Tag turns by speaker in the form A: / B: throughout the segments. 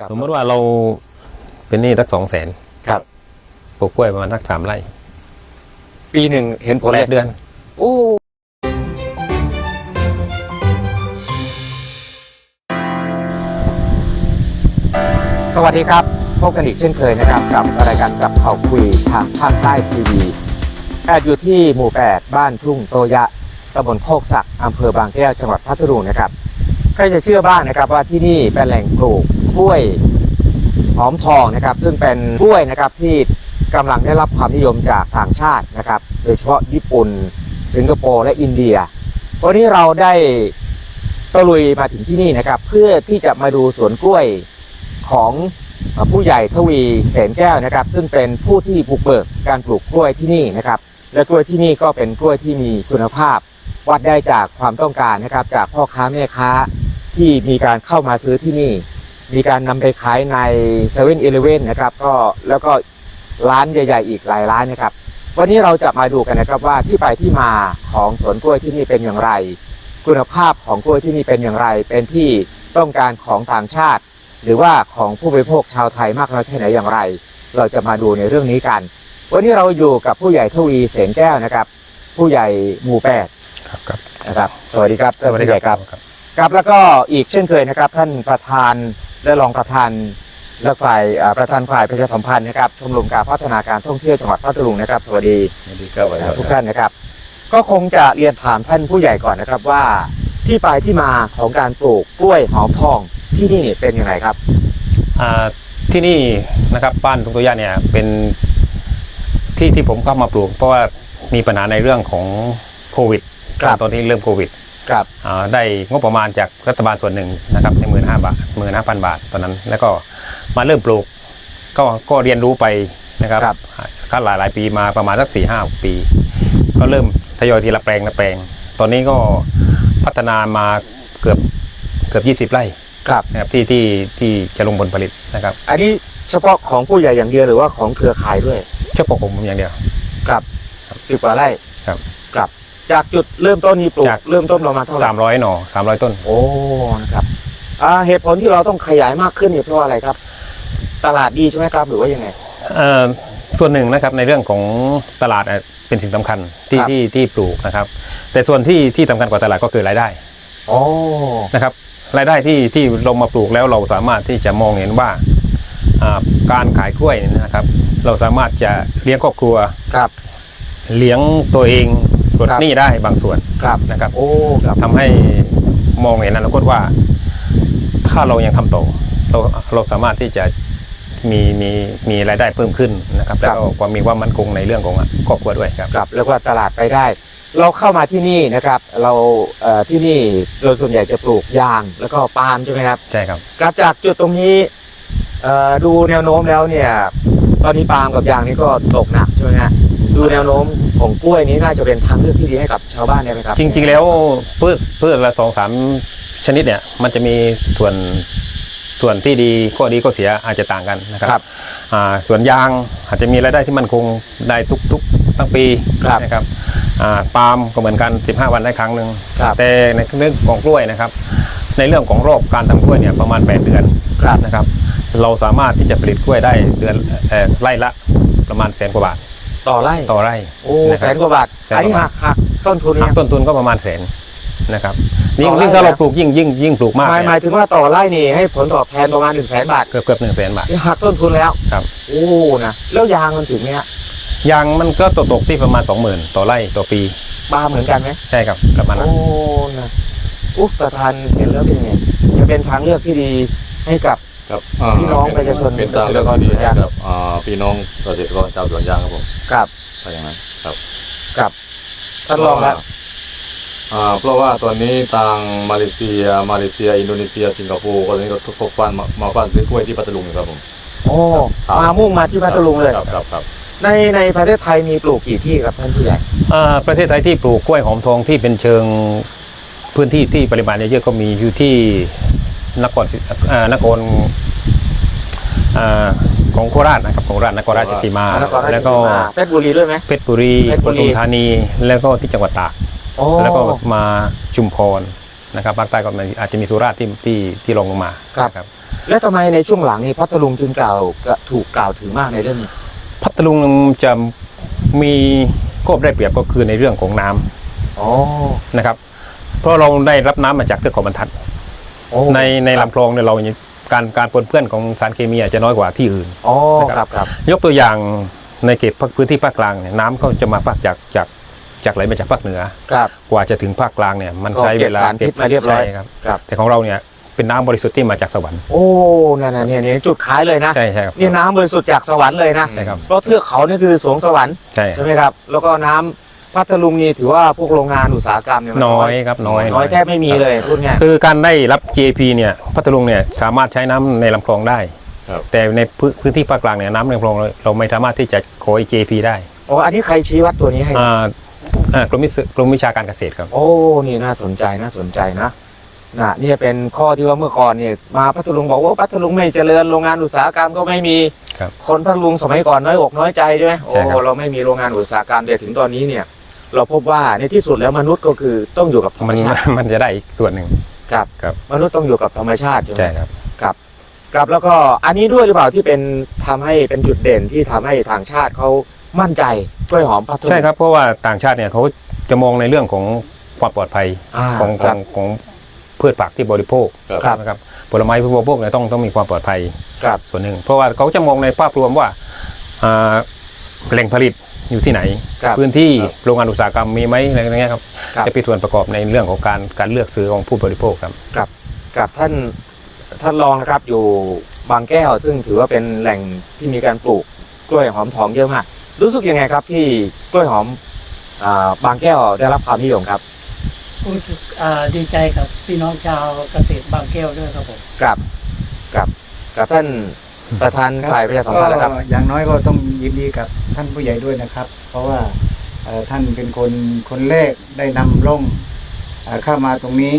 A: สมมติว่าเราเป็นหนี้สัก200,000
B: ครับ
A: ปลูกกล้วยประมาณสัก3 ไร่
B: ปีหนึ่งเห็นผลเลย
A: 8 เดือน
B: โอ้สวัสดีครับพบกันอีกเช่นเคยนะครับกับรายการกับเขาคุยทางภาคใต้ทีวีอยู่ที่หมู่ 8 บ้านทุ่งโตยะตำบลโคกศักดิ์อำเภอบางแก้วจังหวัดพัทลุงนะครับใครจะเชื่อบ้างนะครับว่าที่นี่เป็นแหล่งปลูกกล้วยหอมทองนะครับซึ่งเป็นกล้วยนะครับที่กำลังได้รับความนิยมจากต่างชาตินะครับโดยเฉพาะญี่ปุ่นสิงคโปร์และอินเดียวันนี้เราได้ตะลุยมาถึงที่นี่นะครับเพื่อที่จะมาดูสวนกล้วยของผู้ใหญ่ทวีเสนแก้วนะครับซึ่งเป็นผู้ที่บุกเบิกการปลูกกล้วยที่นี่นะครับและกล้วยที่นี่ก็เป็นกล้วยที่มีคุณภาพวัดได้จากความต้องการนะครับจากพ่อค้าแม่ค้าที่มีการเข้ามาซื้อที่นี่มีการนำไปขายใน7-Elevenนะครับก็แล้วก็ร้านใหญ่ๆอีกหลายร้านนะครับวันนี้เราจะมาดูกันนะครับว่าที่ไปที่มาของสวนกล้วยที่นี่เป็นอย่างไรคุณภาพของกล้วยที่นี่เป็นอย่างไรเป็นที่ต้องการของต่างชาติหรือว่าของผู้บริโภคชาวไทยมากน้อยแค่ไหนอย่างไรเราจะมาดูในเรื่องนี้กันวันนี้เราอยู่กับผู้ใหญ่ทวีเสนแก้วนะครับผู้ใหญ่หมู่ 8
A: ครับ
B: นะครับสวัสดีครับ
A: สวัสดีครับ
B: ครับแล้วก็อีกเช่นเคยนะครับท่านประธานและรองประธานและฝ่ายประธานฝ่ายประชาสัมพันธ์นะครับชมรมการพัฒนาการท่องเที่ยวจังหวัดพัทลุงนะครับสวัสดีทุกท่านนะครับก็คงจะเรียนถามท่านผู้ใหญ่ก่อนนะครับว่าที่ไปที่มาของการปลูกกล้วยหอมทองที่นี่เป็นยังไงครับ
A: ที่นี่นะครับบ้านทุ่งโตยะเนี่ยเป็นที่ผมเข้ามาปลูกเพราะว่ามีปัญหาในเรื่องของโควิดตอนนี้เริ่มโควิดได้งบประมาณจากรัฐบาลส่วนหนึ่งนะครับใน15,000 บาทตอนนั้นแล้วก็มาเริ่มปลูกก็เรียนรู้ไปนะครับขั้นหลายปีมาประมาณสัก4-5 ปีก็เริ่มทยอยทีละแปลงตอนนี้ก็พัฒนามาเกือบ20 ไร่นะครับที่จะลงผลผลิตนะครับ
B: อันนี้เฉพาะของผู้ใหญ่อย่างเดียวหรือว่าของเครือข่ายด้วย
A: เฉพาะผมอย่างเดียว
B: ครับ10 กว่าไร่
A: ครับ
B: จากจุดเริ่มต้นนี้ปลูกเริ่มต้นประมาณเท่าไหร่
A: 300 หน่อ300 ต้น
B: โอ้นะครับเหตุผลที่เราต้องขยายมากขึ้นเนี่ยเพราะอะไรครับตลาดดีใช่ไหมครับหรือว่ายังไง
A: ส่วนหนึ่งนะครับในเรื่องของตลาดเป็นสิ่งสำคัญที่ปลูกนะครับแต่ส่วนที่สำคัญกว่าตลาดก็คือรายได้นะครับรายได้ที่เรามาปลูกแล้วเราสามารถที่จะมองเห็นว่าการขายกล้วยนะครับเราสามารถจะเลี้ยงครอบครัวเลี้ยงตัวเองปลดหนี้ได้บางส่วนนะครับทำให้มองเห็นอนาคตว่าถ้าเรายังทำต่อเราสามารถที่จะมีรายได้เพิ่มขึ้นนะครับแล้วก็ความมีความมั่นคงในเรื่องของครอบครัวด้วย
B: ครับแล้วก็ตลาดไปได้เราเข้ามาที่นี่นะครับเราที่นี่เราส่วนใหญ่จะปลูกยางแล้วก็ปาล์มใช่ไหมครับ
A: ใช่ครับ
B: จากจุดตรงนี้ดูแนวโน้มแล้วเนี่ยตอนนี้ปาล์มกับยางนี่ก็ตกหนักใช่ไหมฮะดูแนวโน้มของกล้วยนี้น่าจะเป็นทางเลือกที่ดีให้กับชาวบ้านได้ไหมครับ
A: จริงๆแล้วพืชละ2-3 ชนิดเนี่ยมันจะมีส่วนที่ดีข้อดีข้อเสียอาจจะต่างกันนะครับส่วนยางอาจจะมีรายได้ที่มั่นคงได้ทุกทั้งปีนะครับปาล์มก็เหมือนกัน15 วันได้ครั้งหนึ่งแต่ในเรื่องของกล้วยนะครับในเรื่องของรอบการทำกล้วยเนี่ยประมาณ8 เดือนนะครับเราสามารถที่จะผลิตกล้วยได้เดือนไร่ละประมาณ100,000 กว่าบาท
B: ต่อไร่โอ้100,000 กว่าบาทอันนี้หักต้นทุน
A: ก็ประมาณ100,000นะครับยิ่งถ้าเราปลูกยิ่งปลูกมาก
B: หมายถึงว่าต่อไร่นี่ให้ผลตอบแทนประมาณ100,000 บาท
A: เกือบ100,000 บาท
B: หักต้นทุนแล้ว
A: ครับ
B: โอ้นะแล้วยางมันถึงเนี้ย
A: ยางมันก็ตกที่ประมาณ 20,000 ต่อไร่ต่อปี
B: ปาล์มเหมือนกันไหม
A: ใช่ครับประมาณนั้น
B: โอ้นะประธานเห็นแล้วเป็นไงจะเป็นทางเลือกที่ดีให้กับพี่น้องประชาชน
C: เป็นทางเลือกที่ดีให้กับพี่น้องเกษตรกรชาวสวนยางครับผม
B: ครับ
C: ไปอย่างนั้น
B: ครับท่านรองแล้ว
C: เพราะว่าตอนนี้ทางมาเลเซียอินโดนีเซียสิงคโปร์ตอนนี้ก็ทุกคนมาบ้านซื้อกล้วยที่พัทลุงครับผม
B: โอ้มุ่งมาที่พัทลุงเลย
C: ครับ
B: ในประเทศไทยมีปลูกกี่ที่ครับท่านผู้ใหญ่
A: ประเทศไทยที่ปลูกกล้วยหอมทองที่เป็นเชิงพื้นที่ที่ปริมาณเยอะๆก็มีอยู่ที่นครของโคราชนะครับของนครราชสีมาแล้วก็
B: เพชรบุรีด้วยไหม
A: เพชรบุรีปทุมธานีแล้วก็ที่จังหวัดตากแล้วก็มาชุมพรนะครับภาคใต้ก็อาจจะมีสุราษฎร์ที่ลงมาครับ
B: แล้วทำไมในช่วงหลังนี่พัทลุงจึงถูกกล่าวถึงมากในเรื่องนี้
A: พัทลุงจะมีข้อได้เปรียบก็คือในเรื่องของน้ำ
B: อ๋อ
A: นะครับ เพราะเราได้รับน้ำมาจากเทือกเขาบรรทัด
B: โอ้
A: ในลำคลองเนี่ยเราการปนเปื้อนของสารเคมีอาจจะน้อยกว่าที่อื่น
B: อ๋อ
A: นะครับ
B: ครับ
A: ยกตัวอย่างในเขตพื้นที่ภาคกลางเนี่ยน้ำเขาจะมาภาคจากไหลมาจากภาคเหนือ
B: ครับ
A: กว่าจะถึงภาคกลางเนี่ยมัน
B: ก็
A: ใช้เวลา
B: เก็บสารพิษมาเรียบร้อย
A: ใช่ครับ
B: ครับ
A: แต่ของเราเนี่ยเป็นน้ำบริสุทธิ์ที่มาจากสวรรค์
B: โอ้นั่นน่ะเนี่ยจุดขายเลยนะ
A: ใช่ครับ
B: นี่น้ำบริสุทธิ์จากสวรรค์เลยนะ
A: ใช่ครับ
B: เพราะเทือกเขานี่คือสวงสวรรค์
A: ใช่
B: ใช่ไหมครับ แล้วก็น้ำพัทลุงนี่ถือว่าพวกโรงงานอุตสาหกรรมเนี่ยมัน
A: น้อยครับน้อย
B: แทบไม่มีเลยพูดง่าย
A: คือการได้รับ GAP เนี่ยพัทลุงเนี่ยสามารถใช้น้ำในลำคลองได้
C: ครับ
A: แต่ในพื้นที่ภาคกลางเนี่ยน้ำในลำคลองเราไม่สามารถที่จะขอ GAP ได้
B: อ๋ออันนี้ใครชี้วัดตัวนี้ให้
A: กรมวิชาการเกษตรครับ
B: โอ้นี่น่าสนใจนะนี่เป็นข้อที่ว่าเมื่อก่อนเนี่ยมาพัทลุงบอกว่าพัทลุงไม่เจริญโรงงานอุตสาหกรรมก็ไม่มี
A: ครับ
B: คนพัทลุงสมัยก่อนน้อยอกน้อยใจใช่ไหม
A: ใช่ครับ
B: โอ้เราไม่มีโรงงานอุตสาหกรรมแต่ถึงตอนนี้เนี่ย เราพบว่าในที่สุดแล้วมนุษย์ก็คือต้องอยู่กับธรรม
A: มัน
B: ชาติ
A: มันจะได้อีกส่วนหนึ่ง
B: ครับ
A: ครับ
B: มนุษย์ต้องอยู่กับธรรมชาติใช่ไหม
A: ใช่ครับ
B: ครับแล้วก็อันนี้ด้วยหรือเปล่าที่เป็นทำให้เป็นจุดเด่นที่ทำให้ต่างชาติเขามั่นใจกล้วยหอมพัทลุง
A: ใช่ครับเพราะว่าต่างชาติเนี่ยเขาจะมองในเรื่องของความปลอดภัย ของ
B: ครับ
A: ของพืชผักที่บริโภค
B: ครับ
A: นะครับผลไม้ที่บริโภคเนี่ยต้องมีความปลอดภัย
B: ครับ
A: ส่วนหนึ่ง เพราะว่าเขาจะมองในภาพรวมว่าแหล่งผลิตอยู่ที่ไหน
B: ครับ
A: พื้นที่
C: ครับ
A: โรงงานอุตสาหกรรมมีไหมอะไรอย่างเงี้ยครับ
B: ครับ
A: จะเป็นส่วนประกอบในเรื่องของการเลือกซื้อของผู้บริโภคครับ
B: กับท่านรองนะครับอยู่บางแก้ว ซึ่งถือว่าเป็นแหล่งที่มีการปลูกกล้วยหอมทองเยอะมากรู้สึกยังไงครับที่กล้วยหอมบางแก้วได้รับความนิยมครับ
D: รู้สึกดีใจกับพี่น้องชาวเกษตรบางแก้วด้วยครับผม
B: กับท่านประธานฝ่ายประชาสัมพันธ์นะครับ
E: ก็อย่างน้อยก็ต้องยินดีกับท่านผู้ใหญ่ด้วยนะครับ เพราะว่าท่านเป็นคนแรกได้นำร่องเข้ามาตรงนี้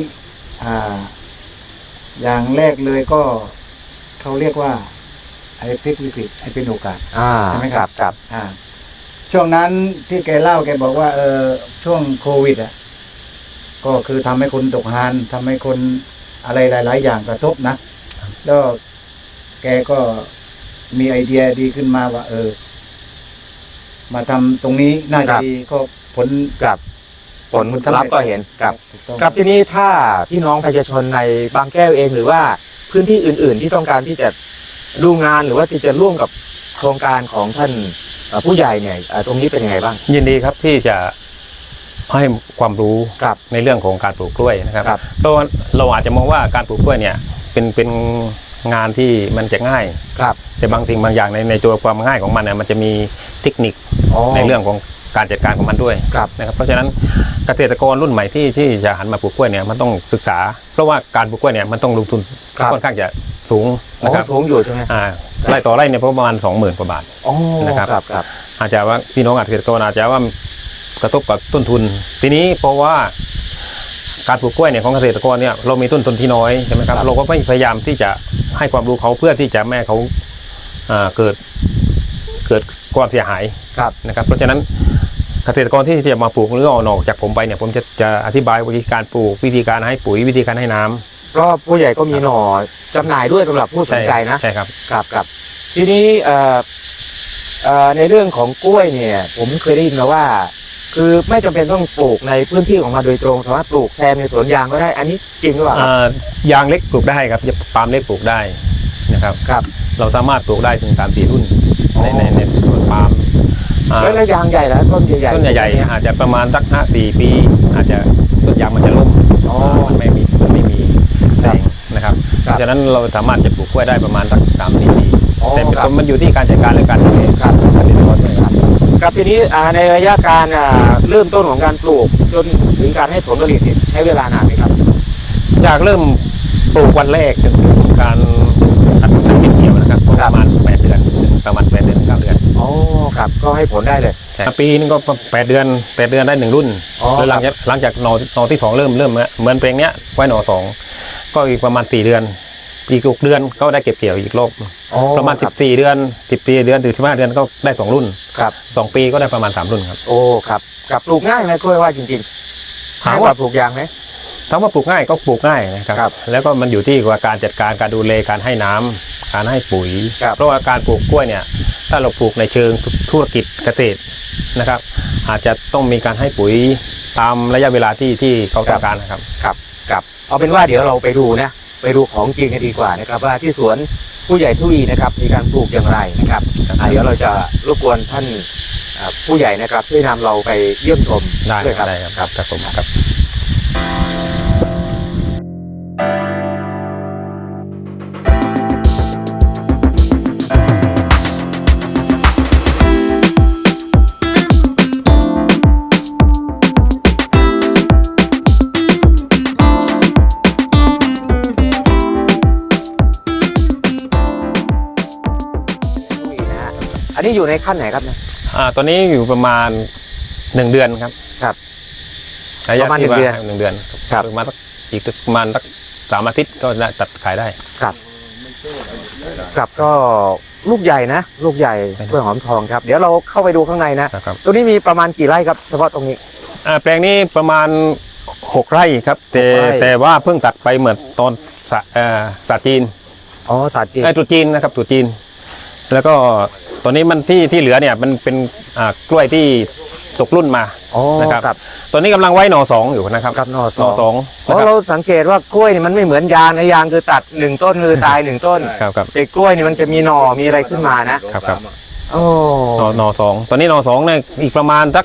E: อย่างแรกเลยก็เขาเรียกว่าไอ้พลิกวิกฤตไอ้เป็นโอกาส ใช่ไหมครับ
B: ครับ
E: ช่วงนั้นที่แกเล่าแกบอกว่าช่วงโควิดก็คือทำให้คนตกงานทำให้คนอะไรหลาย ๆ อย่างกระทบนะแล้วแกก็มีไอเดียดีขึ้นมาว่ามาทำตรงนี้น่า
B: ค
E: จะ
B: รับ
E: ดีก็ผล
B: ครับผลลัพธ์ก็เห็นครับ
E: ถูกต้อง
B: ครับทีนี้ถ้าพี่น้องประชาชนในบางแก้วเองหรือว่าพื้นที่อื่น ๆ ที่ต้องการที่จะดูงานหรือว่าที่จะร่วมกับโครงการของท่านผู้ใหญ่เนี่ยตรงนี้เป็นยังไงบ้าง
A: ยินดีครับที่จะให้ความรู้
B: ครับ
A: ในเรื่องของการปลูกกล้วยนะครับ
B: ครับ
A: เพราะว่าเราอาจจะมองว่าการปลูกกล้วยเนี่ยเป็นงานที่มันจะง่าย
B: ครับ
A: แต่บางสิ่งบางอย่างในตัวความง่ายของมันเนี่ยมันจะมีเทคนิคในเรื่องของการจัดการของมันด้วย
B: ครับ
A: นะครับเพราะฉะนั้นเกษตรกรรุ่นใหม่ที่จะหันมาปลูกกล้วยเนี่ยมันต้องศึกษา เพราะว่าการปลูกกล้วยเนี่ยมันต้องลงทุน
B: ครับ
A: ค่อนข้างจะสูงนะครับ
B: สูงอยู่ใช่ไหม
A: ไร่ต่อไร่เนี่ยประมาณ 20,000 กว่าบาท
B: อ๋อ
A: นะครับ
B: ครับ
A: อาจจะว่าพี่น้องเกษตรกรอาจจะว่ากระทบกับต้นทุนทีนี้เพราะว่าการปลูกกล้วยเนี่ยของเกษตรกรเนี่ยเรามีต้นทุนที่น้อยใช่ไหมครับเราก็พยายามที่จะให้ความรู้เขาเพื่อที่จะไม่ให้เขาเกิดความเสียหาย
B: ครับ
A: นะครับ เพราะฉะนั้นเกษตรกรที่จะมาปลูกหรือเอาหน่อจากผมไปเนี่ยผมจะอธิบายวิธีการปลูกวิธีการให้ปุ๋ยวิธีการให้น้ำ
B: เพราะผู้ใหญ่ก็มีหน่อจำหน่ายด้วยสำหรับผู้สนใจนะ
A: ใช่ครับ
B: ครับทีนี้ในเรื่องของกล้วยเนี่ย ผมเคยได้ยินมาว่า คือไม่จำเป็นต้องปลูกในพื้นที่ของมันโดยตรงสามารถปลูกแซมในสวนยางก็ได้ อันนี้จริงหรือเปล่า
A: ยางเล็กปลูกได้ครับปาล์มเล็กปลูกได้นะครับ
B: ครับ
A: เราสามารถปลูกได้ถึง 3-4 รุ่นในสวนปาล์ม
B: แล้วยางใหญ่แล้วต้นใหญ่ๆ
A: ต้นใหญ่ๆอาจจะประมาณสัก5-4 ปี อาจจะต้นยางมันจะล้ม
B: อ๋อ
A: มันไม่มีแสงนะครับ
B: ค
A: เพ
B: รับ
A: ราะฉะนั้นเราสามารถจะปลูกกล้วยได้ประมาณสัก3-4 ปี
B: อ๋อ
A: แต่
B: ครับ
A: มันอยู่ที่การจัดการและการดูแล
B: ครับ
A: เกษตรกรด้วยครับ
B: ครับทีนี้ในระยะการเริ่มต้นของการปลูกจนถึงการให้ผลผลิตเนี่ยใช้เวลานานไหมครับ
A: จากเริ่มปลูกวันแรกจนถึงการตัดเก็บเกี่ยวนะครับก็ประมาณ8 เดือนถึงประมาณ8 เดือน 9 เดือน
B: อ๋อครับก็ให้ผลได้เลย
A: ใช่ปีนึงก็8 เดือนได้1 รุ่น
B: อ๋อ
A: แล้วหลังจากหน่อที่ 2 เริ่มเหมือนเพลงเนี้ยไว้หน่อ 2 ก็อีกประมาณ4 เดือนอีก6 เดือนก็ได้เก็บเกี่ยวอีกรอบ
B: อ๋อ
A: ประมาณ
B: ครับ
A: 14 เดือนถึง15 เดือนก็ได้2 รุ่น
B: ครับ
A: 2 ปีก็ได้ประมาณ3 รุ่นครับ
B: โอ้ครับกับปลูกง่ายไหมกล้วยว่าจริงๆ
A: ถาม
B: ง่ายก
A: ว่า
B: ว่าปลูกยางไหม
A: ถามว่าปลูกง่ายก็ปลูกง่ายนะครับ
B: ครับ
A: แล้วก็มันอยู่ที่ว่าการจัดการการดูแลการให้น้ำการให้ปุ๋ย
B: ครับ
A: เพราะว่าการปลูกกล้วยเนี่ยถ้าเราปลูกในเชิงธุรกิจเกษตรนะครับ อาจจะต้องมีการให้ปุ๋ยตามระยะเวลาที่เขาต้องการนะครับ
B: ครับเอาเป็นว่าเดี๋ยวเราไปดูนะไปดูของจริงกันดีกว่านะครับว่าที่สวนผู้ใหญ่ทุยนะครับมีการปลูกอย่างไรนะครับเดี๋ยวเราจะรบกวนท่านผู้ใหญ่นะครับช่วยนำเราไปเยี่ยมชม
A: ได้
B: ด้วยครับ
A: ได้ครับครับผมครับ
B: นะฮะอันนี้อยู่ในขั้นไหนครับเนี่ย
A: ตอนนี้อยู่ประมาณ1 เดือนครับ
B: ครับ
A: ระยะ
B: ประมาณ
A: ที่
B: 1 เดือน
A: 1 เดือน
B: ครับ
A: ประมาณสักอีกประมาณสัก3 อาทิตย์ก็น่าตัดขายได้
B: ครับก็ลูกใหญ่นะลูกใหญ่กล้วยหอมทองครับเดี๋ยวเราเข้าไปดูข้างในนะ
A: นะครับ
B: ตรงนี้มีประมาณกี่ไร่ครับเฉพาะตรงนี้
A: แปลงนี้ประมาณ6 ไร่ครับ
B: 6 ไร่
A: แต่ว่าเพิ่งตัดไปเหมือนตอนศาสตร์จีน
B: อ๋อสาธิต
A: ตรุษจีนนะครับตรุษจีน แล้วก็ตอนนี้มันที่เหลือเนี่ยมันเป็นกล้วยที่ตกรุ่นมา
B: อ๋อ
A: นะครับ
B: ครับ
A: ตอนนี้กำลังไว้หน่อ 2อยู่นะครับ
B: ครับนอ
A: หน่อ
B: สอง
A: 2
B: เพราะเราสังเกตว่ากล้วยนี่มันไม่เหมือนยางนะยางคือตัด1 ต้นคือตาย1 ต้น
A: ครับครับ
B: แต่กล้วยนี่มันจะมีหน่อมีอะไรขึ้นมานะครับ
A: ครับ
B: โอ้
A: หน่อ 2ตอนนี้หน่อ 2เนี่ยอีกประมาณสัก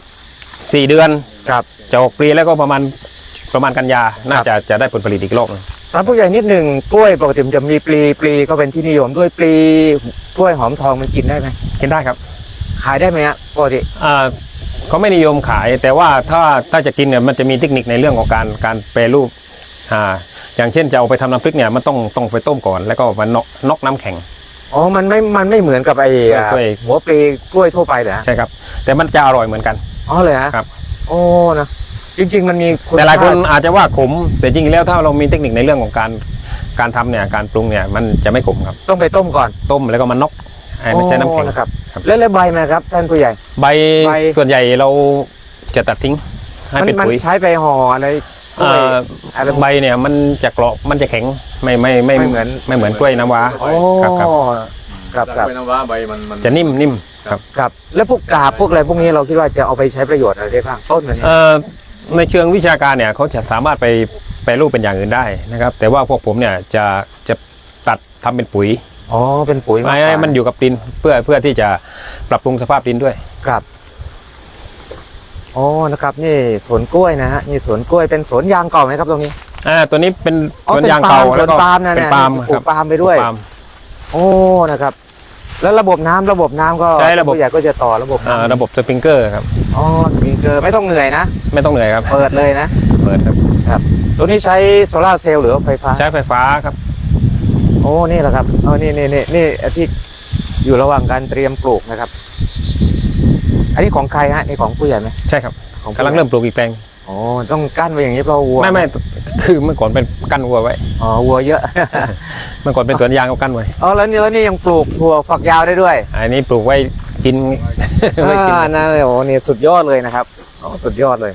A: 4 เดือน
B: ครับ
A: จะออกปลีแล้วก็ประมาณกันยาน่าจะได้ผลผลิตอีกรอบหนึ่ง
B: ตามผู้ใหญ่นิดหนึ่งกล้วยปกติมันจะมีปลีก็เป็นที่นิยมด้วยปลีกล้วยหอมทองมันกินได้ไหม
A: กินได้ครับ
B: ขายได้ไหมฮะปกติ
A: เขาไม่นิยมขาย แต่ว่าถ้าจะกินเนี่ยมันจะมีเทคนิคในเรื่องของการแปรรูปอย่างเช่นจะเอาไปทำน้ำพริกเนี่ยมันต้องไปต้มก่อนแล้วก็มันน็อกน้ำแข็ง
B: อ๋อมันไม่เหมือนกับไอ้
A: กล้วย
B: หัวปลีกล้วยทั่วไปเหรอฮะ
A: ใช่ครับ แต่มันจะอร่อยเหมือนกัน
B: อ๋อเลยฮะ
A: ครับ
B: โอ้นะจริง ๆ มันมี
A: แต่หลายคน
B: ชติ
A: อาจจะว่าขม แต่จริงๆแล้วถ้าเรามีเทคนิคในเรื่องของการทำเนี่ยการปรุงเนี่ยมันจะไม่ขมครับ
B: ต้องไปต้มก่อน
A: ต้มแล้วก็มันน็อกไม่ใช่น้ำแข็ง
B: โอ้นะครับ
A: ครับ
B: แล้วใบมันครับท่านผู้ใหญ่
A: ใบ
B: ใบ
A: ส่วนใหญ่เราจะตัดทิ้งให้เป็น
B: มัน
A: ปุ๋ย
B: ใช้ไปห่ออะไรกล้วยอะไร
A: ใบเนี่ยมันจะกรอบมันจะแข็งไม่
B: ไม่เหมือน
A: กล้วยน้ำว้า
B: โอ้
A: ครับครับ
B: ครับ
C: จากไปน้ำว้าใบมัน
A: จะนิ่มครับ
B: ครับแล้วพวกกาบพวกอะไรพวกนี้เราคิดว่าจะเอาไปใช้ประโยชน์อะไรได้บ้างต้นมันเนี่ย
A: ในเชิงวิชาการเนี่ยเขาจะสามารถไปแปรรูปเป็นอย่างอื่นได้นะครับ แต่ว่าพวกผมเนี่ยจะตัดทำเป็นปุ๋ย
B: อ๋อเป็นปุ๋ยากก
A: ไม่ให้
B: ว่า
A: มันอยู่กับดินเพื่อที่จะปรับปรุงสภาพดินด้วย
B: ครับอ๋อนะครับนี่สวนกล้วยนะฮะนี่สวนกล้วยเป็นสวนยางเก่าไหมครับตรงนี้
A: ตัวนี้เป็น
B: อ๋อ
A: สวน
B: เป็น
A: ยางเก่า
B: ปาล์ม
A: แล้วก็
B: สวนปาล์มนะ
A: เป็น
B: เนี่ย
A: ปาล์ม
B: ปลูกปาล์มไปด้วย
A: ปาล์ม
B: โอ้นะครับ แล้วระบบน้ำก็
A: ใช้ระบบ
B: ผู้ใหญ่ก็จะต่อระบบน้ำ
A: ระบบสปริงเกอร์ครับ
B: อ๋อสปริงเกอร์ไม่ต้องเหนื่อยนะ
A: ไม่ต้องเหนื่อยครับ
B: เปิดเลยนะ
A: เปิดครับ
B: ตัวนี้ใช้โซลาร์เซลล์หรือว่าไฟฟ้า
A: ใช้ไฟฟ้าครับ
B: โอ้นี่แหละครับอ๋อนี่ที่อยู่ระหว่างการเตรียมปลูกนะครับ อันนี้ของใครฮะนี่ของผู้ใหญ่ไหม
A: ใช่ครับ
B: ของผู้
A: กำลัง
B: ใหญ่
A: เริ่มปลูกอีกแปลง
B: อ๋อต้องกั้นไว้อย่างนี้เพราะวัว
A: ไม่คือเมื่อก่อนเป็นกั้นวัวไว้
B: อ๋อวัวเยอะ
A: เมื่อก่อนเป็นสวนยางเอากั้นไว้
B: อ๋อแล้วนี่ยังปลูกถั่วฝักยาวได้ด้วย
A: อันนี้ปลูกไว้กิน ไว้กิน
B: นั่นเลยโอ้นี่สุดยอดเลยนะครับอ๋อสุดยอดเลย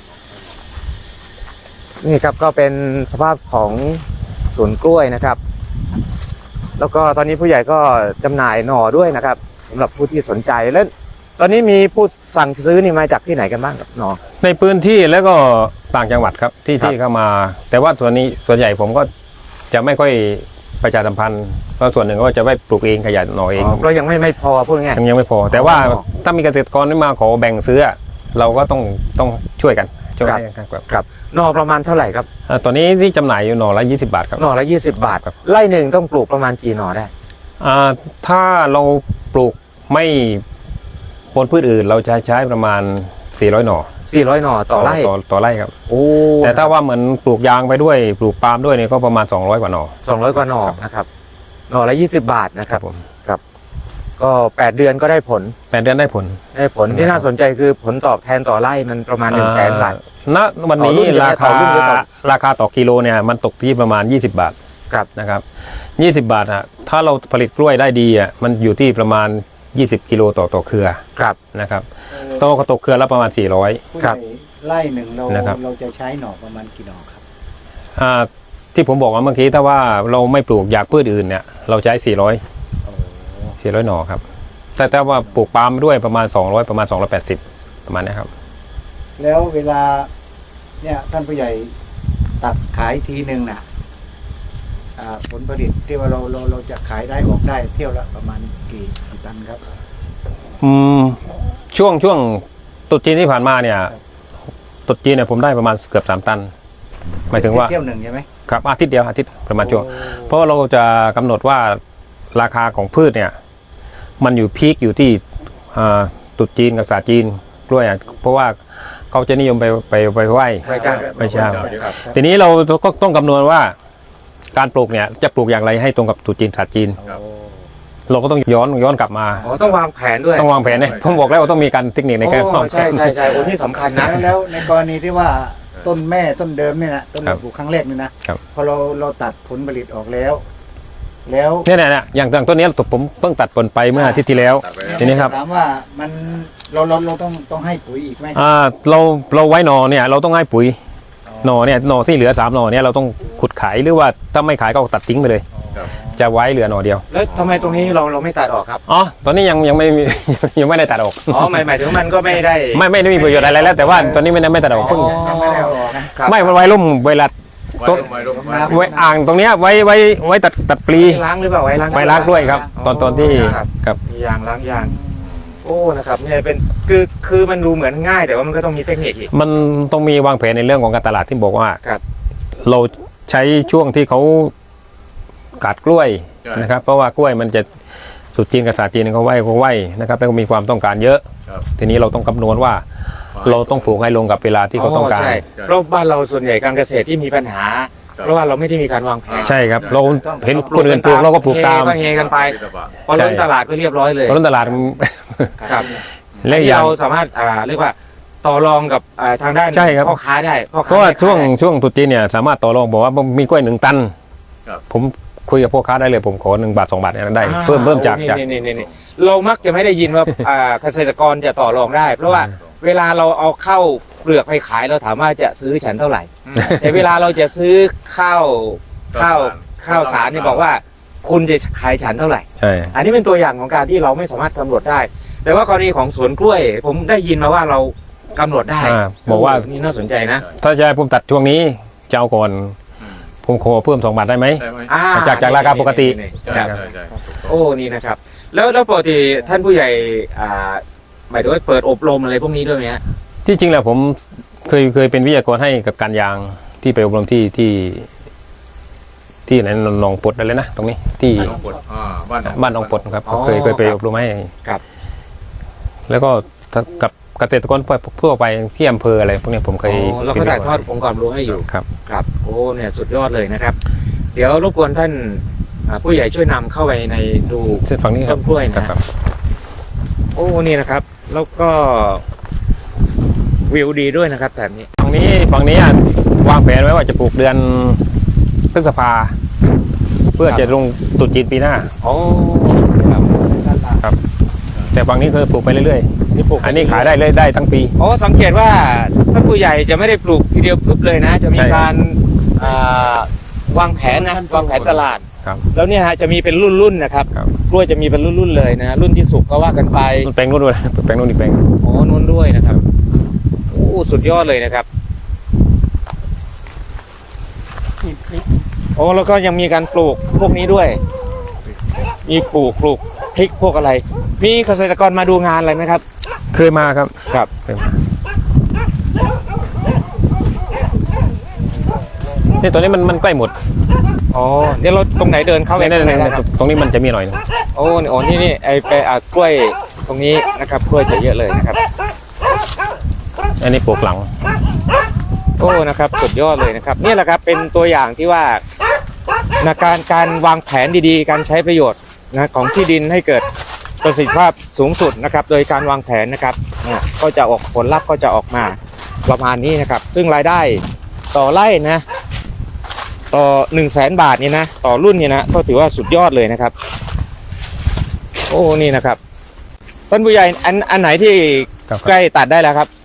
B: นี่ครับก็เป็นสภาพของสวนกล้วยนะครับ แล้วก็ตอนนี้ผู้ใหญ่ก็จำหน่ายหน่อด้วยนะครับสำหรับผู้ที่สนใจแล้วตอนนี้มีผู้สั่งซื้อนี่มาจากที่ไหนกันบ้างครับหน่อ
A: ในพื้นที่แล้วก็ต่างจังหวัดครับที่
B: ครับ
A: ที่เข้ามา แต่ว่าส่วนใหญ่ผมก็จะไม่ค่อยประชาสัมพันธ์เพราะส่วนหนึ่งก็จะไว้ปลูกเองขยันหน่อเอง
B: เรายังไม่พอพูดง่าย
A: ยังไม่พอ แต่ว่า
B: อ๋อ
A: ถ้ามีเกษตรกรที่มาขอแบ่งซื้อเราก็ต้องช่วยกันช่วยกันครับ
B: ครับหน่อประมาณเท่าไหร่ครับ
A: ตอนนี้ที่จำหน่ายอยู่หน่อละ20 บาทครับ
B: หน่อละ20 บาท
A: ครับ
B: ไร่หนึ่งต้องปลูกประมาณกี่หน่อได้
A: ถ้าเราปลูกไม่ปนพืชอื่นเราจะใช้ประมาณ400 หน่อ
B: 400 หน่อต่อไร่
A: ต่อไร่ครับ
B: โอ้
A: แต่ถ้าว่าเหมือนปลูกยางไปด้วยปลูกปาล์มด้วยเนี่ยก็ประมาณ200 กว่าหน่อ
B: 200 กว่าหน่อนะครับหน่อละ20 บาทนะครับ
A: ผม
B: ก็8 เดือนก็ได้ผล
A: 8 เดือนได้ผล
B: ที่น่าสนใจคือผลตอบแทนต่อไร่มันประมาณ 100,000 บาท
A: ณวันนี้
B: ต่อรุ่นหรือ
A: รา
B: ต่
A: คา
B: อรุ่นหรือต่อ
A: ราคาต่อกิโลเนี่ยมันตกที่ประมาณ20 บาท
B: ครับ
A: นะครับ20 บาทถ้าเราผลิตกล้วยได้ดีมันอยู่ที่ประมาณ20 กิโลต่อเครือ
B: ครับ
A: นะครับตกเครือละประมาณ400
E: ผู้ใหญ่ไร่หนึ่งเรา
A: นะครับ
E: เราจะใช้หน่อประมาณกี่หน่อครับ
A: ที่ผมบอกว่าเมื่อกี้ถ้าว่าเราไม่ปลูกอย่างพืชอื่นเนี่ยเราใช้400หน่อครับแต่ถ้าว่าปลูกปาล์มด้วยประมาณ200ประมาณ280ประมาณนี้ครับ
E: แล้วเวลาเนี่ยท่านผู้ใหญ่ตัดขายทีหนึ่งน่ะผลผลิตที่ว่าเราจะขายได้ออกได้เที่ยวละประมาณกี่ตันครับ
A: ช่วงตรุษจีนที่ผ่านมาเนี่ยตรุษจีนเนี่ยผมได้ประมาณเกือบ3 ตันหมายถึงว่า
E: เที่ยวหนึ่งใช่ไหม
A: ครับอาทิตย์ประมาณช่วงเพราะเราจะกำหนดว่าราคาของพืชเนี่ยมันอยู่พีคอยู่ที่ตรุษจีนกับศาสตร์จีนกล้วยเพราะว่าเขาจะนิยมไปไหว้เจ้าทีนี้เราก็ต้องคำนวณว่าการปลูกเนี่ยจะปลูกอย่างไรให้ตรงกับตรุษจีนศาสตร์จีนเราก็ต้องย้อนกลับมา
B: ต้องวางแผนด้วย
A: ต้องวางแผนเนี่ยผมบอกแล้วว่าต้องมีการเทคนิคในการวางแผ
B: ใช่
A: น
B: โอ้นี่สำคัญนะ
E: แล้วในกรณีที่ว่าต้นแม่ต้นเดิมเนี่ยนะต้นปลูกครั้งแรกนี่นะครับ พอเราตัดผลผลิตออกแล้ว
A: เนี่ยอย่างต้นนี้ผมเพิ่งตัดผลไปเมื่ออาทิตย์ที่แล้วทีนี้ครับ
E: ถามว่ามันเราต้องให้ปุ๋ยอีกไหม
A: เราไว้หนอเนี่ยเราต้องให้ปุ๋ยหนอเนี่ยหนอที่เหลือ3 หนอเนี่ยเราต้องขุดขายหรือว่าถ้าไม่ขายก็ตัดทิ้งไปเลย จะไว้เหลือหนอเดียว
B: แล้วทำไมตรงนี้เราไม่ตัดออกครับ
A: อ๋อตอนนี้ยังไม่มี ยังไม่ได้ตัดออก
B: อ๋อหมายถึงมันก็ไม่ได้
A: ไม่ได้มีประโยชน์อะไรแล้วแต่ว่าตอนนี้ไม่ตัดออกเพิ่ง
E: ยังไม่ได้เอาออกนะ
B: ครับ
A: ไม่มันไว้ร่มเวลาต้นไว้อ่างตรงเนี้ยไว้ตัดปลี
B: ล้างหรือเปล่าไว้ล้าง
A: ไว้ล้างด้วยครับ ตอนที่ครับ
B: มียางล้างยางโอ้นะครับเนี่ยเป็นคือมันดูเหมือนง่ายแต่ว่ามันก็ต้องมีเทคนิคอีก
A: มันต้องมีวางแผนในเรื่องของการตลาดที่บอกว่า
B: ครับ
A: เราใช้ช่วงที่เขากัดกล้วย
C: ใช่
A: นะครับ เพราะว่ากล้วยมันจะสุดจีนกับศาสตร์จีนเขาไหวนะครับแล้วก็มีความต้องการเยอะ
C: ครับ
A: ทีนี้เราต้องคำนวณว่าเราต้องปลูกให้ลงกับเวลาที่เขาต้องการ
B: ใช่เพราะบ้านเราส่วนใหญ่การเกษตรที่มีปัญหา เพราะว่าเราไม่ได้มีการวางแผน
A: ใช่ครับ เราเห็นคนอื่นปลูกเราก็ปลูกตาม
B: เฮกันไปพอล้นตลาดก็เรียบร้อยเลย
A: เพราะฉะนั้นตลาด
B: ครับ
A: และอีกอย่าง
B: เราสามารถเรียกว่าต่อรองกับทางด้าน
A: ใช่ครับ
B: พ่อค้าได้พ่อ
A: เพ
B: ค้า
A: ราะว่า
B: แม่ค้า
A: ช่วงตรุษจีนเนี่ยสามารถต่อรองบอกว่ามีกล้วย1 ตัน
C: ครับ
A: ผมคุยกับพ่อค้าได้เลยผมขอ1 บาท 2 บาทเนี่ยได้เพิ่มจาก
B: นี่เรามักจะไม่ได้ยินว่าเกษตรกรจะต่อรองได้ เพราะว่าเวลาเราเอาเข้าเปลือกไปขายเราถามว่าจะซื้อฉันเท่าไหร่ แต่เวลาเราจะซื้อข้าวสารเนี่ยบอกว่าคุณจะขายฉันเท่าไหร่
A: ใช่
B: อันนี้เป็นตัวอย่างของการที่เราไม่สามารถกำหนดได้ แต่ว่ากรณีของสวนกล้วย ผมได้ยินมาว่าเรากำหนดได้
A: บอกว่า
B: นี่น่าสนใจนะ
A: ถ้าจะให้ผมตัดช่วงนี้จะเอาก่อนผมขอเพิ่ม2 บาทได้ไหม
C: ใช่ไหม
A: จากราคาปกติ
C: ใช่
B: ครับ
C: ใช่
B: โอ้นี่นะครับ แล้วปกติท่านผู้ใหญ่หมายถึงว่าเปิดอบรมอะไรพวกนี้ด้วยไหมฮะ
A: ที่จริงแล้วผมเคยเป็นวิทยากรให้กับการยางที่ไปอบรมที่ไหนหนองปดอะไรนะตรงนี้ที่
C: น้องปดบ้าน
A: บ้านหนองปดครับ
B: อ๋อ
A: เคยไปอบรมให้
B: ครับ
A: แล้วก็กับเกษตรกรทั่วไปที่อำเภออะไรพวกนี้ผมเคย
B: เราก็ถ่ายทอดองค์ความรู้ให้อยู่
A: ครับ
B: ครับโอ้เนี่ยสุดยอดเลยนะครับ เดี๋ยวรบกวนท่านผู้ใหญ่ช่วยนำเข้าไปในดู
A: เส้นฝั่งนี้ครับ
B: ต้นกล้วยนะ
A: ครับ
B: โอ้นี่นะครับ แล้วก็วิวดีด้วยนะครับแถบนี้
A: ฝั่งนี้วางแผนไว้ว่าจะปลูกเดือนพฤษภาเพื่อจะลงตรุษจีนปีหน้า
B: โอ้
A: แต่ฝั่งนี้คือปลูกไปเรื่อย
B: นี่ปลูก
A: ๆอันนี้ขายได้เลยได้ทั้งปี
B: โอ้สังเกตว่าท่านผู้ใหญ่จะไม่ได้ปลูกทีเดียวปุ๊บเลยนะ จะมี
A: ใช่
B: การวางแผนนะวางแผนตลาด
A: ครับ
B: แล้วเนี่ยฮะจะมีเป็นรุ่นๆนะครับ
A: ครับ
B: กล้วยจะมีเป็นรุ่นๆเลยนะรุ่นที่สุกก็ว่ากันไป
A: แปลงนู้นด้วยแปลงนู้นอีกแปลง
B: อ๋อนู้นด้วยนะครับโอ้สุดยอดเลยนะครับโอ้แล้วก็ยังมีการปลูกพวกนี้ด้วย มีปลูกพริกพวกอะไร มีเกษตรกรมาดูงานอะไรไหมครับ
A: เคยมาครับ
B: ครับ
A: เคยมานี่ตอนนี้มันใกล้หมด
B: อ๋อเดี๋ยวเราตรงไหนเดินเข้าไป
A: นี่
B: ตรงไหนได้ครับ
A: ตรงนี้มันจะมีหน่อยหนึง
B: โอ้นี่ไอ้ไปกล้วยตรงนี้นะครับกล้วยจะเยอะเลยนะครับ
A: อันนี้ปลูกหลัง
B: โอ้นะครับสุดยอดเลยนะครับนี่แหละครับเป็นตัวอย่างที่ว่านะการวางแผนดีๆ การใช้ประโยชน์นะของที่ดินให้เกิดประสิทธิภาพสูงสุดนะครับ โดยการวางแผนนะครับก็จะออกผลลัพธ์ก็จะออกมาประมาณนี้นะครับ ซึ่งรายได้ต่อไร่นะต่อ100,000 บาทนี่นะต่อรุ่นนี่นะก็ถือว่าสุดยอดเลยนะครับ โอ้นี่นะครับท่านผู้ใหญ่อันไหนที่
A: ครับ
B: ใกล้ตัดได้แล้วครับ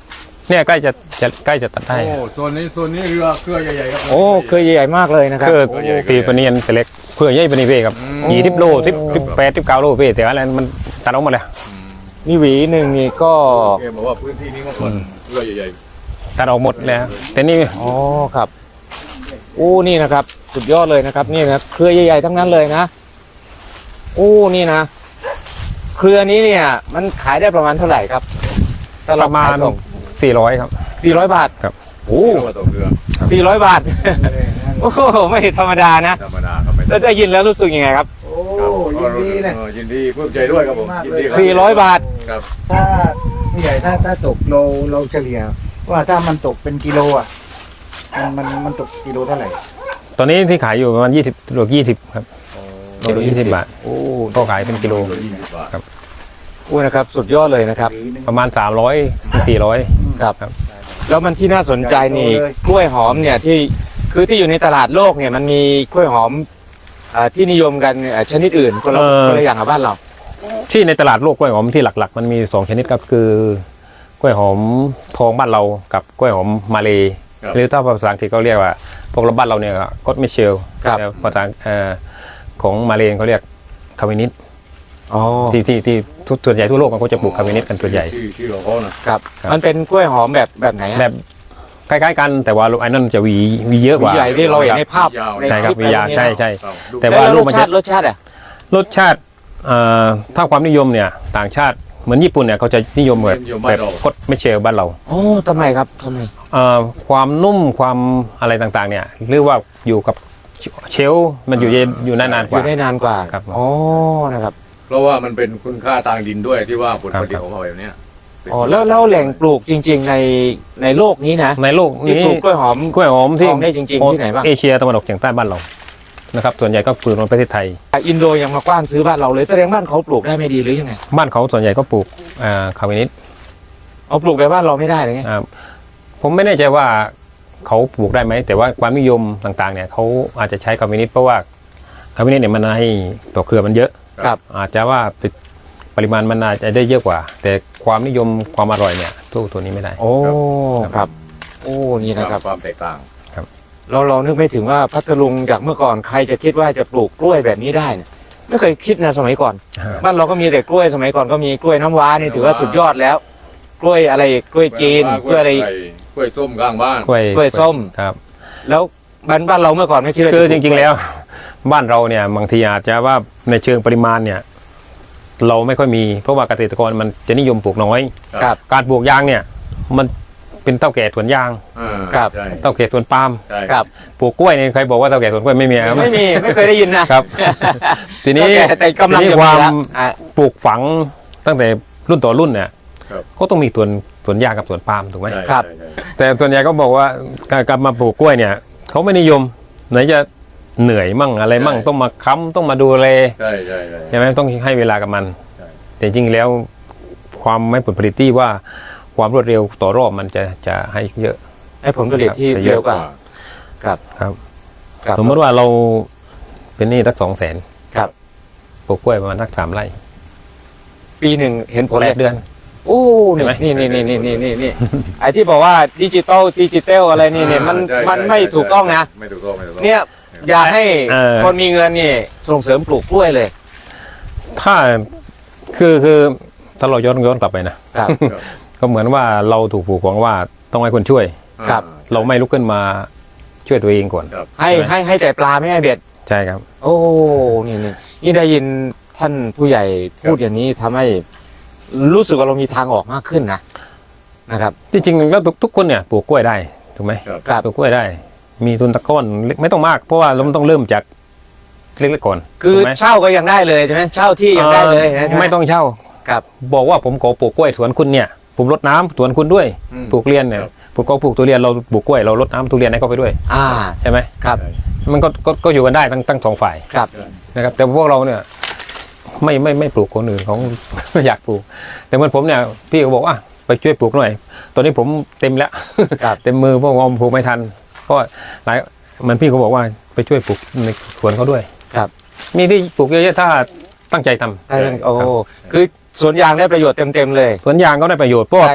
A: เนี่ยใกล้จะตัดได้
C: โอ้โซนนี้เรือเครือใหญ่ๆครับ
B: โอ้เคยใหญ่ๆมากเลยนะครับ
A: คือตีปนีนแต่เล็กเพื่อใหญ่ปนีเป้ครับ20 โล18 19 โลเป้แต่ว่าอะไรมันตัดออกหมดเลย
B: นี่หวีหนึ่งนี่ก็
C: แกบอกว่าพื้นที่นี้ก็คนเรือใหญ่
A: ตัดออกหมดแล้วแต่นี่
B: อ๋อครับโอ้นี่นะครับ สุดยอดเลยนะครับนี่นะเครือใหญ่ๆทั้งนั้นเลยนะโอ้นี่นะเครือนี้เนี่ย มันขายได้ประมาณเท่าไหร่ครับถ้
A: ประมาณ
B: ขยส่ง
A: 400ครับ
B: 400 บาท
A: ครับ
B: โอ้
C: ๆเรือต่อเรือ
B: 400 บาท โอ้โหไม่ธรรมดานะ
C: ธรรมดาครับไม่
B: แล้วได้ยินแล้วรู้สึกยังไงครับ
E: โอ้ยินดีนะ
C: ยินดีปลื้มใจด้วยครับผมยินดีครั
B: 400 บาท
C: ครับ
E: ถ้าผู้ใหญ่ถ้าตกเราเฉลี่ย ว่าถ้ามันตกเป็นกิโลอ่ะมันตกกิโลเท่าไหร่
A: ตอนนี้ที่ขายอยู่ประมาณ20 โล 20ครับกิโล20 บาท
B: โอ้
A: ก็ขายเป็นกิโล
C: 20 บาท
B: โอ้นะครับ สุดยอดเลยนะครับ
A: ประมาณ300 ถึง 400
B: ครับ
A: ครับ
B: แล้วมันที่น่าสนใจนี่กล้วยหอมเนี่ยที่อยู่ในตลาดโลกเนี่ยมันมีกล้วยหอมที่นิยมกันชนิดอื่นคนละอย่างกับบ้านเรา
A: ที่ในตลาดโลกกล้วยหอมที่หลักๆ มันมี2ชนิดครับคือกล้วยหอมทองบ้านเรากับกล้วยหอมมาเลหรือถ้าภาษาอังกฤษเขาเรียกว่าพวกบ้านเราเนี่ยก็มิเชล
B: ครับ
A: แล้วภาษาของมาเลเขาเรียกคาเวนิส
B: อ๋อ
A: ที่ส่วนใหญ่ทั่วโลกเขาจะปลูกคาเวนิสกันส่วนใหญ่
C: ชื่อของเขานะครับ
B: มันเป็นกล้วยหอมแบบไหนอะ
A: แบบคล้ายๆกันแต่ว่าไอ้นั่นจะหวีเยอะกว่า
B: ใหญ่ที่เราเห็นในภาพ
A: ใช่ครับ
B: ใน
A: วียาว
B: ลิป
A: ใช่ใช่
C: ครับ
A: แต่
B: แต่
A: ว่า
B: ว่า
A: ลู
B: ร
A: ก
B: ส
A: มัน
B: ชา
A: จะ
B: ติรสชาติอ่ะ
A: รสชาติถ้าความนิยมเนี่ยต่างชาติเหมือนญี่ปุ่นเนี่ยเขาจะนิยมแบบคดไม่เชลบ้านเรา
B: โอ้ทำไมครับทำไม
A: ความนุ่มความอะไรต่างๆเนี่ยเรียกว่าอยู่กับเชลฟ์มันอยู่เย็นอยู่นานๆก
B: อ
A: ว่า
B: ยู่ได้นานกว่า
A: ครับ
B: อ๋อนะครับ
C: เพราะว่ามันเป็นคุณค่าทางดินด้วยที่ว่าผลผลิต
A: ครับ
C: ของเขาแบบเนี้ย
B: อ๋อแล้วแหล่งปลูกจริง ๆในโลกนี้นะ
A: ในโลก
B: ที่
A: นี้
B: ปลูกกล้วยหอม
A: กล้วยหอมที่
B: ทองได้จริงๆที่ไหนบ้าง
A: เอเชียตะวันออกเฉียงใต้บ้านเรานะครับส่วนใหญ่ก็ปลูกในประเทศไทย
B: อินโดยังมากว้านซื้อบ้านเราเลยแสดงบ้านเขาปลูกได้ไม่ดีหรือยังไง
A: บ้านเขาส่วนใหญ่ก็ปลูกคาเวนิส
B: เอาปลูกแบบบ้านเราไม่ได้เลยไง
A: ผมไม่แน่ใจว่าเขาปลูกได้ไหมแต่ว่าความนิยมต่างๆเนี่ยเขาอาจจะใช้คาเวนิสเพราะว่าคาเวนิสเนี่ยมันให้ต่อเครือมันเยอะ
B: ครับ
A: อาจจะว่าปริมาณมันอาจจะได้เยอะกว่า แต่ความนิยมความอร่อยเนี่ยตัวนี้ไม่ได้
B: โอ้ครับโอ้นี่นะครับ
C: ความแตกต่าง
B: เรานึกไม่ถึงว่าพัทลุงจากเมื่อก่อนใครจะคิดว่าจะปลูกกล้วยแบบนี้ได้เนี่ยไม่เคยคิดนะสมัยก่อน บ้านเราก็มีแต่กล้วยสมัยก่อนก็มีกล้วยน้ำว้านี่ถือว่าสุดยอดแล้ว กล้วยอะไรกล้วยจีนกล้วยอะไร
C: กล้วยส้มข้างบ้าน
A: กล้วย
B: กล้วยส้ม
A: ครับ
B: แล้วบ้านเราเมื่อก่อนไม่คิดว่า
A: คือ
B: จะป
A: จ
B: ลูก
A: ริงๆแล้ว บ้านเราเนี่ยบางทีอาจจะว่าในเชิงปริมาณเนี่ยเราไม่ค่อยมีเพราะว่าเกษตรกรมันจะนิยมปลูกน้อย
B: ครับ
A: การปลูกยางเนี่ยมันเป็นเต้าแก่สวนยาง
B: ครับ
C: ใช่
A: เต้าแก่สวนปาล์ม
C: ใช่
B: ครับ
A: ปลูกกล้วยเนี่ยใครบอกว่าเต้าแก่สวนกล้วยไม่มีครับ
B: ไม่มีไม่เคยได้ยินนะครับ
A: ทีนี้
B: แต่กำลัง
A: ทีนี้
B: จะ
A: ค
B: มี
A: วาม
B: แล้วอ่ะ
A: ปลูกฝังตั้งแต่รุ่นต่อรุ่นเนี่ยก็ต้องมีสวนยางกับสวนปาล์มถูกไหม
C: ใช่
B: ครับ
C: ใช่ใช่
A: แต่ส่วนใหญ่ก็บอกว่าการกลับมาปลูกกล้วยเนี่ยเขาไม่นิยมไหนจะเหนื่อยมั่งอะไรมั่งต้องมาค้ำต้องมาดูแล
C: ใช่ใช่ใช่
A: ใช่ไหมต้องให้เวลากับมัน
C: ใช่
A: แต่จริงๆแล้วความไม่ผลผลิตที่ว่าความรวดเร็วต่อรอบมันจะให้เยอะ
B: ให้ผลผลิตที่
A: ครับ
B: เร็วกว่าครับ
A: ครับ
B: ครับ
A: สมมติว่าเราเป็นหนี้สัก200,000
B: ครับ
A: ปลูกกล้วยประมาณสัก3 ไร่
B: ปีหนึ่งเห็นผลเลย
A: 8 เดือน
B: โอ้
A: เห็นไหม
B: นี่ไอ้ที่บอกว่าดิจิตอลอะไรนี่เนี่ยมัน
C: ใช่
B: มัน
C: ใช่
B: ไม่
C: ใช่
B: ถูกต้องนะ
C: ไม่ถูกต้องไม่ถูกต้อง
B: เนี่ยอยากให้
A: เออ
B: คนมีเงินนี่ส่งเสริมปลูกกล้วยเลย
A: ถ้าคือถ้าเราย้อนกลับไปนะครับ ก็เหมือนว่าเราถูกผูกฝังว่าต้องให้คนช่วย
B: ครับ
A: เราไม่ลุกขึ้นมาช่วยตัวเองก่อน
C: ครับ
B: ให้แต่ปลาไม่ให้เบ็ด
A: ใช่ครับ
B: โอ้นี่ได้ยินท่านผู้ใหญ่พูดอย่างนี้ทำให้รู้สึกว่าเรามีทางออกมากขึ้นนะครับ
A: จริงๆแล้วทุกคนเนี่ยปลูกกล้วยได้ถูกไหม
C: ครับ
B: ครับ
A: ปลูกกล้วยได้ มีทุนตะก้อนเล็กไม่ต้องมากเพราะว่าเราต้องเริ่มจากเล็กๆก่อน
B: คือ
A: ถูกไหม
B: เช่าก็ยังได้เลยใช่ไหมเช่าที่ยังได้เลยนะใช่ห
A: ไม่ต้องเช่า
B: ครับ
A: บอกว่าผมขอปลูกกล้วยสวนคุณเนี่ยผมรดน้ำสวนคุณด้วย
C: อืม
A: ปลูกเรียนเนี่ย
C: ครับ
A: ปลูกก็ปลูกทุเรียนเราปลูกกล้วยเรารดน้ำทุเรียนให้เขาไปด้วย
B: อ่า
A: ใช่ไหม
B: ครับ
A: มันก็อยู่กันได้ทั้งสองฝ่าย
B: ครับ
A: นะครับ แต่พวกเราเนี่ยไม่ปลูกคนอื่นเขา ไม่อยากปลูก แต่เหมือนผมเนี่ยพี่ก็บอกว่าไปช่วยปลูกหน่อยตอนนี้ผมเต็มแล้ว
B: ครับ
A: เต็มมือเพราะว่าปลูกไม่ทันเพราะหลายเหมือนพี่เขาบอกว่าไปช่วยปลูกในสวนเขาด้วย
B: ครับ
A: มีที่ปลูกเยอะๆถ้าตั้งใจทำ
B: โอ้คือสวนยางได้ประโยชน์เต็มเลย
A: สวนยางก็ได้ประโยชน์เพราะว่า
B: ใช่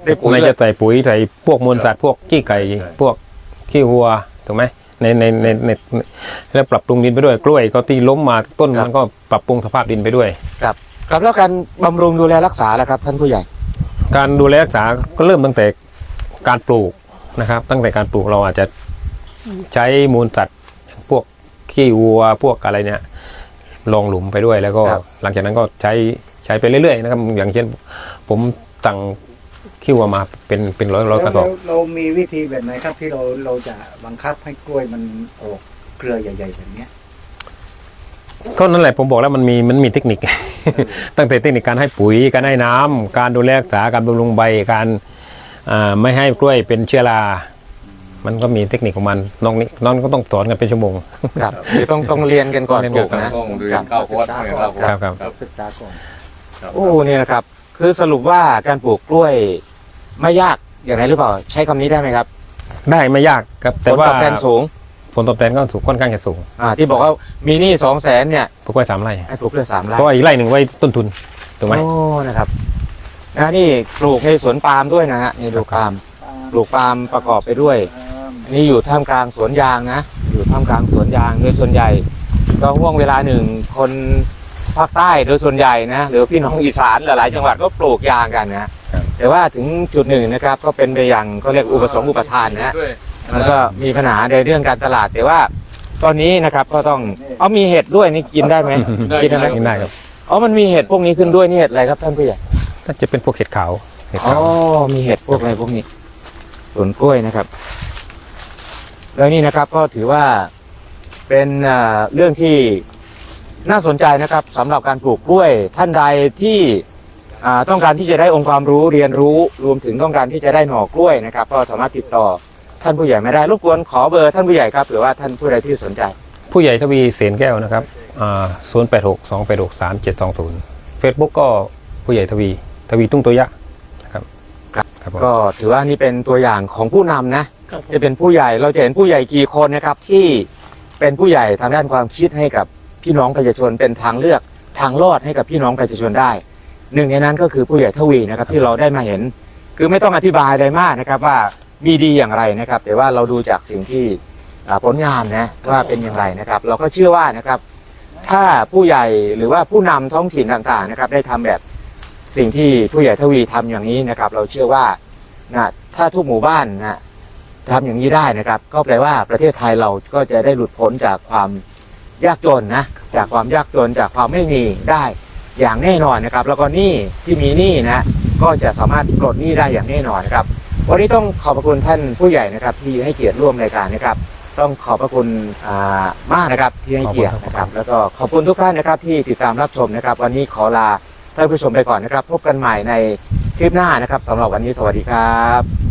B: ได้ปุ๋ย
A: ไม่
B: ด้ว
A: จะ
B: ย
A: ใส่ปุ๋ยใส่พวกมูลสัตว์พวกขี้ไก่พวกขี้วัวถูกไหมในแล้วปรับปรุงดินไปด้วยกล้วยก็ที่ล้มมาต้นมันก็ปรับปรุงสภาพดินไปด้วย
B: ครับแล้วการบำรุงดูแลรักษาแล้วครับท่านผู้ใหญ่
A: การดูแลรักษาก็เริ่มตั้งแต่การปลูกนะครับ ตั้งแต่การปลูกเราอาจจะใช้มูลสัตว์พวกขี้วัวพวกอะไรเนี่ยลงหลุมไปด้วยแล้วก็
B: ครับ
A: หลังจากนั้นก็ใช้ไปเรื่อยๆนะครับอย่างเช่นผมสั่งขี้วัวมาเป็นร้อยกระสอบ
E: เรามีวิธีแบบไหนครับที่เราจะบังคับให้กล้วยมันออกเครือใหญ่ๆแบบเนี้ย
A: ก็นั่นแหละผมบอกแล้วมันมีเทคนิค ตั้งแต่เทคนิคการให้ปุ๋ยการให้น้ำการดูแลรักษาการบำรุงใบการไม่ให้กล้วยเป็นเชื้อรา มันก็มีเทคนิคของมันน้องก็ต้องสอนกันเป็นชั่วโมง
B: ครับคือต้องเรียนกันก่อนปลูกนะ
C: ต้องเรียนเข้าคอร์สให้เข้าคอร์ส
A: ครับ
E: ศึกษาก่อน
B: โอ้เนี่ยนะครับคือสรุปว่าการปลูกกล้วยไม่ยากอย่างไรหรือเปล่าใช้คำนี้ได้ไหมครับ
A: ได้ไม่ยากครับ
B: ผ
A: แต่
B: ล
A: ว่า
B: ตอบแทนสูง
A: ผลตอบแทนก็ถูกค่อนข้างจะสูง
B: ที่บอกว่ามีหนี้200,000เนี่ย
A: ปลูกไว้3 ไร่
B: ให้ปลูกเพื่อ3 ไร่
A: เพราะว่าอีกไร่หนึ่งไว้ต้นทุนถูกไหม
B: โอ้นะครับนี่ปลูกในสวนปาล์มด้วยนะฮะนี่ดูปาล์มปลูกปาล์มประกอบไปด้วยอันนี่อยู่ท่ามกลางสวนยางนะอยู่ท่ามกลางสวนยางโดยส่วนใหญ่ก็ห่วงเวลาหนึ่งคนภาคใต้โดยส่วนใหญ่นะหรือพี่น้องอีสานหลายๆจังหวัดก็ปลูกยางกันนะแต่ว่าถึงจุดหนึ่งนะครับก็เป็นไปอย่างเขาเรียกอุปสงค์อุปทานนะ มันก็มีปัญหาในเรื่องการตลาดแต่ว่าตอนนี้นะครับก็ต้องมีเห็ดด้วยนี่กินได้ไหมกินได้ไหม
A: กินได้ครับ
B: มันมีเห็ดพวกนี้ขึ้นด้วยนี่เห็ดอะไรครับท่านผู้ใหญ่
A: ถ้าจะเป็นพวกเห็ดขาวเห็ด
B: อ๋อ
A: ขาว
B: มีเห็ดพวกอะไรพวกนี้สวนกล้วยนะครับแล้วนี่นะครับก็ถือว่าเป็นเรื่องที่น่าสนใจนะครับสำหรับการปลูกกล้วยท่านใดที่ต้องการที่จะได้องค์ความรู้เรียนรู้รวมถึงต้องการที่จะได้หน่อกล้วยนะครับก็สามารถติดต่อท่านผู้ใหญ่ไม่ได้รบกวนขอเบอร์ท่านผู้ใหญ่ครับหรือว่าท่านผู้ใดที่สนใจ
A: ผู้ใหญ่ทวีเสนแก้วนะครับ086-286-3720 Facebook ก็ผู้ใหญ่ทวีตุ้งตัวยะนะครับครับผม
B: ก็ถือว่านี่เป็นตัวอย่างของผู้นำนะครับ
D: ผม
B: จะเป็นผู้ใหญ่เราจะเห็นผู้ใหญ่กี่คนนะครับที่เป็นผู้ใหญ่ทางด้านความคิดให้กับพี่น้องประชาชนเป็นทางเลือกทางรอดให้กับพี่น้องประชาชนได้หนึ่งในนั้นก็คือผู้ใหญ่ทวีนะครับที่เราได้มาเห็น คือไม่ต้องอธิบายอะไรมากนะครับว่ามีดีอย่างไรนะครับ แต่ว่าเราดูจากสิ่งที่ผลงานนะว่าเป็นอย่างไรนะครับ เราก็เชื่อว่านะครับ ถ้าผู้ใหญ่หรือว่าผู้นำท้องถิ่นต่างๆนะครับ ได้ทำแบบสิ่งที่ผู้ใหญ่ทวีทำอย่างนี้นะครับ เราเชื่อว่านะถ้าทุกหมู่บ้านนะทำอย่างนี้ได้นะครับ ก็แปลว่าประเทศไทยเราก็จะได้หลุดพ้นจากความยากจนนะจากความยากจนจากความไม่มีได้อย่างแน่นอนนะครับ แล้วก็หนี้ที่มีหนี้นะก็จะสามารถปลดหนี้ได้อย่างแน่นอนนะครับ วันนี้ต้องขอบพระคุณท่านผู้ใหญ่นะครับ ที่ให้เกียรติร่วมรายการนะครับ ต้องขอบพระคุณมากนะครับที่ให้เกียรตินะครับ แล้วก็ขอบคุณทุกท่านนะครับที่ติดตามรับชมนะครับ วันนี้ขอลาท่านผู้ชมไปก่อนนะครับ พบกันใหม่ในคลิปหน้านะครับสำหรับวันนี้สวัสดีครับ